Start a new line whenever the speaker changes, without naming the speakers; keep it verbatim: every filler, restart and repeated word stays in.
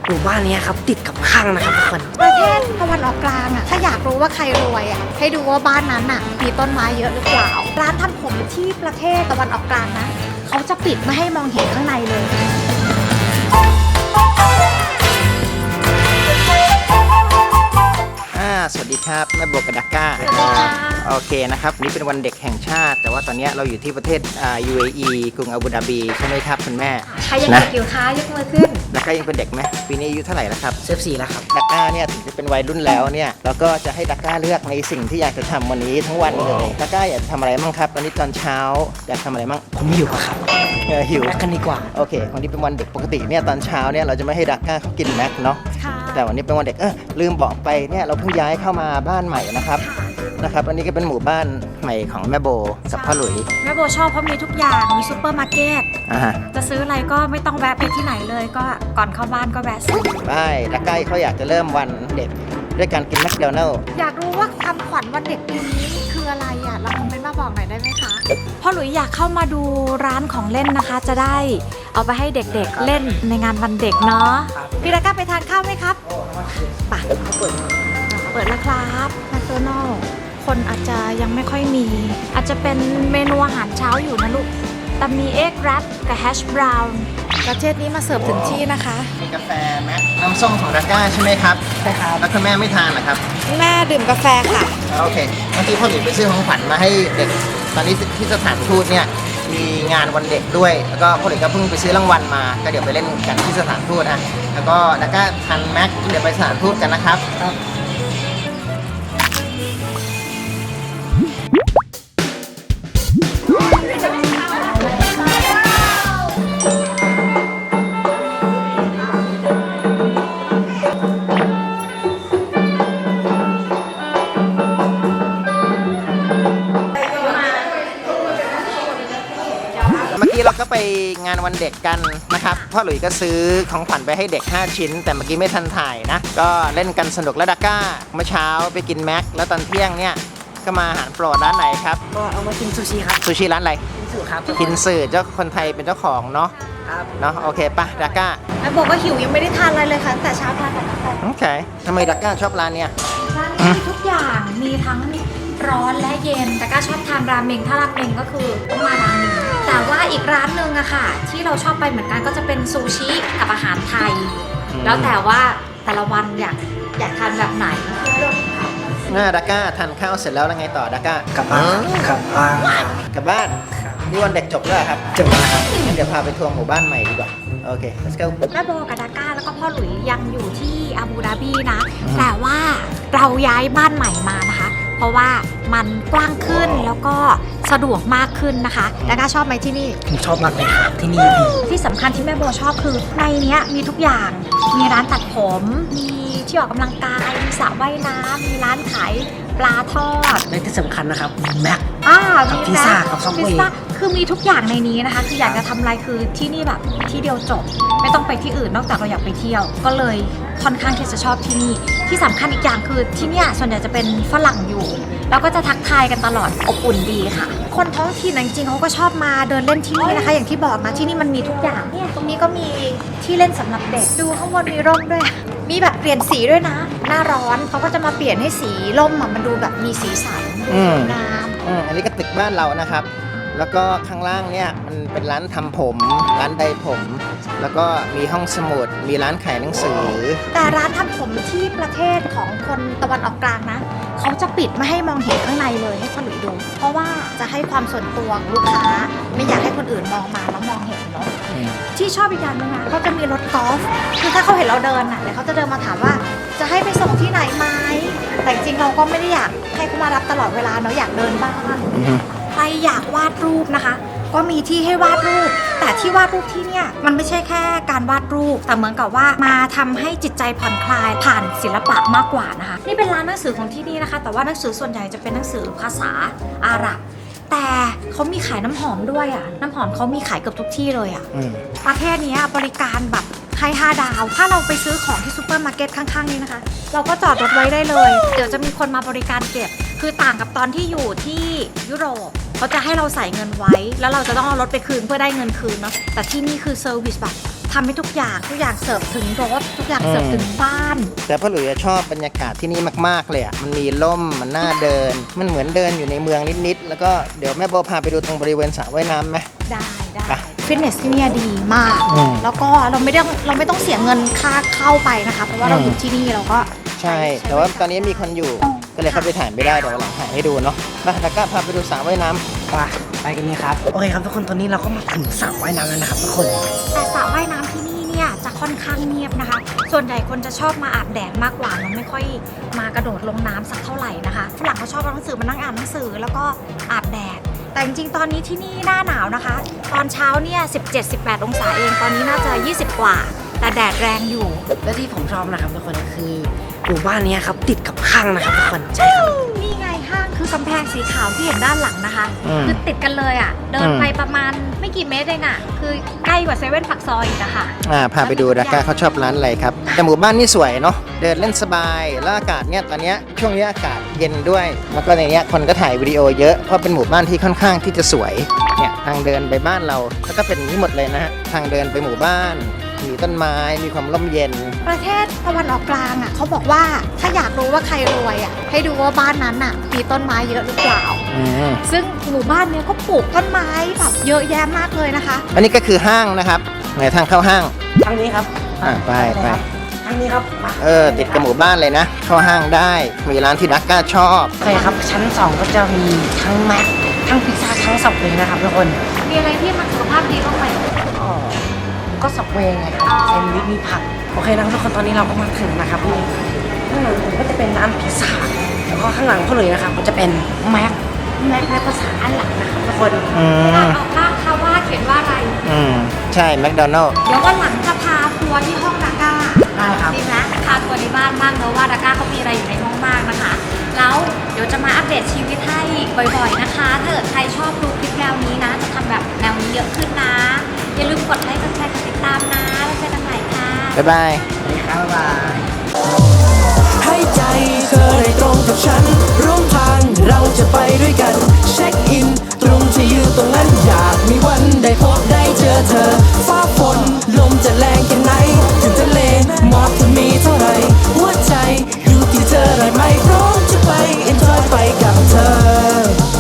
หมู่บ้านนี้ครับติดกับข้างนะครับทุกคน
ประเทศตะวันออกกลางอ่ะถ้าอยากรู้ว่าใครรวยอ่ะให้ดูว่าบ้านนั้นอ่ะมีต้นไม้เยอะหรือเปล่าร้านทำผมที่ประเทศตะวันออกกลางนะเขาจะปิดไม่ให้มองเห็นข้างในเลย
สวัสดีครับแม่โบกับดักก้าโอเคนะครับนี่เป็นวันเด็กแห่งชาติแต่ว่าตอนนี้เราอยู่ที่ประเทศ ยู เอ อี กรุงอาบูดาบีใช่ไหมครับคุณแม่
ใครยังเด็กอยู่คะยกมือขึ้น
ดักก้ายังเป็นเด็กไหมปีนี้อายุเท่าไหร่แล้วครับ
สิบสี่แล้วครับ
ดักก้าเนี่ยถึงจะเป็นวัยรุ่นแล้วเนี่ยเราก็จะให้ดักก้าเลือกในสิ่งที่อยากจะทำวันนี้ทั้งวันเลยดักก้าอยากทำอะไรบ้างครับตอนนี้ตอนเช้าอยากทำอะไรบ้าง
ผมหิวครับ
เออหิว
แม็กกันดีกว่า
โอเควันนี้เป็นวันเด็กปกติเนี่ยตอนเช้าเนี่ยเราจะไม่ให้ดักก้าเขากินแม็กเนาะแต่วันนี้เป็นวันเด็กเออลืมบอกไปเนี่ยเราเพิ่งย้ายเข้ามาบ้านใหม่นะครับนะครับอันนี้ก็เป็นหมู่บ้านใหม่ของแม่โบกับพ่อหลุย
แม่โบชอบเพราะมีทุกอย่างมีซูเปอร์มาร์เก็ต
อ่า
จะซื้ออะไรก็ไม่ต้องแวะไปที่ไหนเลยก็ก่อนเข้าบ้านก็แวะซื้อ
ได้ดักก้าเขาอยากจะเริ่มวันเด็กด้วยการกินแมคโดนัลล์
อยากรู้ว่าความขวัญวันเด็กปีนี้คืออะไรอ่ะเราคอมเมนต์มาบอกหน่อยได้ไหมคะพ่อหลุยอยากเข้ามาดูร้านของเล่นนะคะจะได้เอาไปให้เด็กๆเล่นในงานวันเด็กเนาะพี่ดักก้าไปทานข้าวไหมครับไปเปิดเปิดแล้วครับแมคโดนัลล์คนอาจจะยังไม่ค่อยมีอาจจะเป็นเมนูอาหารเช้าอยู่นะลูกแต่มีเอ็กแรปกับแฮชบราวน์ประเทศนี้มาเสิร์ฟถึงที่นะคะ
มีกาแฟแม็กน้ำส้มของดักก้าใช่ไหมครับ
ใช่ครับ
แล้วคุณแม่ไม่ทานเหรอครับ
แม่ดื่มกาแฟค่ะ
โอเคเมื่อกี้พ่อหลุยไปซื้อของขวัญมาให้เด็กตอนนี้ที่สถานทูตเนี่ยมีงานวันเด็กด้วยแล้วก็พ่อหลุยก็เพิ่งไปซื้อรางวัลมาก็เดี๋ยวไปเล่นกันที่สถานทูตอ่ะแล้วก็ดักก้าทานแม็กเดี๋ยวไปสถานทูตกันนะครับเมื่อกี้เราก็ไปงานวันเด็กกันนะครับพ่อหลุยก็ซื้อของขวัญไปให้เด็กห้าชิ้นแต่เมื่อกี้ไม่ทันถ่ายนะก็เล่นกันสนุกแล้วดักก้าเมื่อเช้าไปกินแม็กแล้วตอนเที่ยงเนี่ยก็มาอาหารโปรดร้านไหนครับ
ก็เอามากินซูชิครับ
ซูชิร้านอะไร
กินสื่อครับ
กินสื่อเจ้าคนไทยเป็นเจ้าของเนาะ
ครับ
เนาะโอเคป่ะดักก้า
แม่บอกก็หิวยังไม่ได้ทานอะไรเลยค่ะแต่เช้าทานแต่กาแฟ
โอเคทำไมดักก้าชอบร้านเนี้ย
ร้านนี้มีทุกอย่างมีทั้งร้อนและเย็นแต่ก็ชอบทานราเมงถ้าราเมงก็คือต้องมาร้านนี้แต่ว่าอีกร้านหนึ่งอะค่ะที่เราชอบไปเหมือนกันก็จะเป็นซูชิกับอาหารไทยแล้วแต่ว่าแต่ละวันอยากอยากทานแบบไหน
น่าดักก้าทานข้าวเสร็จแล้วแล้วไงต่อดักก้าก
ลับบ้านกลับบ้าน
กลับบ้านนี่วันเด็กจบแล้วครับ
จบแล้วครับ
งั้นเดี๋ยวพาไปทัวร์หมู่บ้านใหม่ดีกว่าโอเค let's go
แม่โบกับดักก้าแล้วก็พ่อหลุยยังอยู่ที่อาบูดาบีนะแต่ว่าเราย้ายบ้านใหม่มานะคะเพราะว่ามันกว้างขึ้นแล้วก็สะดวกมากขึ้นนะคะดักก้าชอบไหมที่นี่
ผมชอบมากเลยครับที่นี่ดี
ที่สำคัญที่แม่โบชอบคือในนี้มีทุกอย่างมีร้านตัดผมมีที่ออกกำลังกายมีสระว่ายน้ำมีร้านขายปลาทอด
และที่สำคัญนะครับมีแม็ก
อ่า
มีพิซซ่ากับซับเวย์
คือมีทุกอย่างในนี้นะคะคืออยากจะทำอะไรคือที่นี่แบบที่เดียวจบไม่ต้องไปที่อื่นนอกจากเราอยากไปเที่ยวก็เลยค่อนข้างที่จะชอบที่นี่ที่สำคัญอีกอย่างคือที่เนี่ยส่วนใหญ่จะเป็นฝรั่งอยู่แล้วก็จะทักทายกันตลอดอบอุ่นดีค่ะคนท้องถิ่นจริงๆเขาก็ชอบมาเดินเล่นที่นี่นะคะอย่างที่บอกนะที่นี่มันมีทุกอย่างเนี่ยตรงนี้ก็มีที่เล่นสำหรับเด็กดูข้างบนมีร่มด้วยมีแบบเปลี่ยนสีด้วยนะหน้าร้อนเขาก็จะมาเปลี่ยนให้สีร่มมันดูแบบมีสีสันสวยงาม
อันนี้ก็ตึกบ้านเรานะครับแล้วก็ข้างล่างเนี่ยมันเป็นร้านทำผมร้านใดผมแล้วก็มีห้องสมุดมีร้านขายหนังสือ
แต่ร้านทำผมที่ประเทศของคนตะวันออกกลางนะเขาจะปิดไม่ให้มองเห็นข้างในเลยให้คนอื่นดูเพราะว่าจะให้ความส่วนตัวของลูกค้าไม่อยากให้คนอื่นมองมาแล้วมองเห็นเนาะที่ชอบอีกอย่างนึงนะเขาจะมีรถกอล์ฟคือถ้าเขาเห็นเราเดินน่ะเดี๋ยวเขาจะเดินมาถามว่าจะให้ไปส่งที่ไหนไหมแต่จริงเราก็ไม่ได้อยากให้เขามารับตลอดเวลาเนาะอยากเดินบ้างใครอยากวาดรูปนะคะก็มีที่ให้วาดรูปแต่ที่วาดรูปที่เนี่ยมันไม่ใช่แค่การวาดรูปแต่เหมือนกับว่ามาทำให้จิตใจผ่อนคลายผ่านศิลปะมากกว่านะคะนี่เป็นร้านหนังสือของที่นี่นะคะแต่ว่าหนังสือส่วนใหญ่จะเป็นหนังสือภาษาอาหรับแต่เขามีขายน้ำหอมด้วยอ่ะน้ำหอมเขามีขายเกือบทุกที่เลยอ่ะประเทศนี้บริการแบบให้ห้าดาวถ้าเราไปซื้อของที่ซูเปอร์มาร์เก็ตข้างๆนี้นะคะเราก็จอดรถไว้ได้เลยเดี๋ยวจะมีคนมาบริการเก็บคือต่างกับตอนที่อยู่ที่ยุโรปเขาจะให้เราใส่เงินไว้แล้วเราจะต้องเอารถไปคืนเพื่อได้เงินคืนเนาะแต่ที่นี่คือเซอร์วิสแบบททำให้ทุกอย่างทุกอย่างเสิร์ฟถึงรถทุกอย่างเสิร์ฟถึงบ้าน
แต่พ่อหลุยชอบบรรยากาศที่นี่มากๆเลยอ่ะมันมีร่มมันน่าเดิน มันเหมือนเดินอยู่ในเมืองนิดๆแล้วก็เดี๋ยวแม่โบพาไปดูตรงบริเวณสระว่ายน้ำไหม
ได้ได้
ไป
ฟิตเนสที่เนี่ยดีมาก
อืม
แล้วก็เราไม่ได้เราไม่ต้องเสียเงินค่าเข้าไปนะคะเพราะว่าเรา
อืม
อยู่ที่นี่เราก็
ใช่ แต่ว่าตอนนี้มีคนอยู่ก็เลยเข้าไปถ่ายไม่ได้เดี๋ยววันหลังถ่ายให้ดูเนาะมาแล้วก็พาไปดูสระว่ายน้ำ
ไปไปกันนี่ครับโอเคครับทุกคนตอนนี้เราก็มาถึงสระว่ายน้ำแล้วนะครับทุกคน
แต่สระว่ายน้ำที่นี่เนี่ยจะค่อนข้างเงียบนะคะ ส่วนใหญ่คนจะชอบมาอาบแดดมากกว่าเนอะไม่ค่อยมากระโดดลงน้ำสักเท่าไหร่นะคะฝรั่งเขาชอบเอาหนังสือมานั่งอ่านหนังสือแล้วก็อาบแดด แต่จริงๆตอนนี้ที่นี่หน้าหนาวนะคะ ตอนเช้าเนี่ยสิบเจ็ด สิบแปดองศาเองตอนนี้น่าจะยี่สิบกว่า แต่แดดแรงอยู่
และที่ผมชอบนะครับทุกคนคือหมู่บ้านนี้ครับติดกับห้างนะครับทุกคนใช่ครับ
นี่ไงห้างคือกำแพงสีขาวที่เห็นด้านหลังนะคะ
อืม
คือติดกันเลยอ่ะ เดิน
อืม
ไปประมาณไม่กี่เมตรเองอ่ะ คือใกล้กว่าเซเว่นปักซอยอีกนะคะ
อ่าพาไปดูดาก้าเขาชอบร้านอะไรครับแต่หมู่บ้านนี่สวยเนาะเดินเล่นสบายแล้วอากาศเนี่ยตอนเนี้ยช่วงนี้อากาศเย็นด้วย แล้วก็ในเนี้ยคนก็ถ่ายวิดีโอเยอะเพราะเป็นหมู่บ้านที่ค่อนข้างที่จะสวยเนี่ยทางเดินไปบ้านเราแล้วก็เป็นอย่างนี้หมดเลยนะฮะทางเดินไปหมู่บ้านมีต้นไม้มีความร่มเย็น
ประเทศตะวันออกกลางอ่ะเขาบอกว่าถ้าอยากรู้ว่าใครรวยอ่ะให้ดูว่าบ้านนั้นอ่ะมีต้นไม้เยอะหรือเปล่า
อืม
ซึ่งหมู่บ้านเนี้ยก็ปลูกต้นไม้แบบเยอะแยะมากเลยนะคะ
อันนี้ก็คือห้างนะครับไหนทางเข้าห้าง
ทางนี้ครับ
อ่าไปไป
ทางนี้ครับมา
เออติดกับหมู่บ้านเลยนะ เข้าห้างได้มีร้านที่ดักก้าชอบ
โอเคครับชั้นสองก็จะมีทั้งแม็กทั้งพิซซ่าทั้งสับเวย์นะครับทุกคน
มีอะไรที่มันสุขภาพดีบ้างไหม
อ๋อก็สับเวย์ไงครับแซนด์วิชมีผักโอเคนะครับทุกคนตอนนี้เราก็มาถึงนะครับนี่ข้างหลังผมก็จะเป็นร้านพิซซ่าแล้วก็ข้างหลังเขาเลยนะครับก็จะเป็นแม็กแม็กในภาษาอังกฤษนะครับทุกคน
อืม
ออกบ้างค่ะว่าเขียนว่าอะไร
อืมใช่แมคโดนัลล์
เดี๋ยววันหลังจะพาทัวร์ที่ห้องดาก้า
ได้ครับ
ดีนะพาทัวร์ในบ้านบ้างเนอะว่าดาก้าเขามีอะไรอยู่ในห้องบ้างนะคะ แล้วเดี๋ยวจะมาอัปเดตชีวิตให้บ่อยๆนะคะ ถ้าเกิดใครชอบดูคลิปแนวนี้นะ จะทำแบบแนวนี้เยอะขึ้นนะ อย่าลืมกดไลค์กดแชร์กดติดตามนะ แล้วเจอกันใหม่ค่ะ
บ๊ายบาย
สวัสดีครับบ๊ายบาย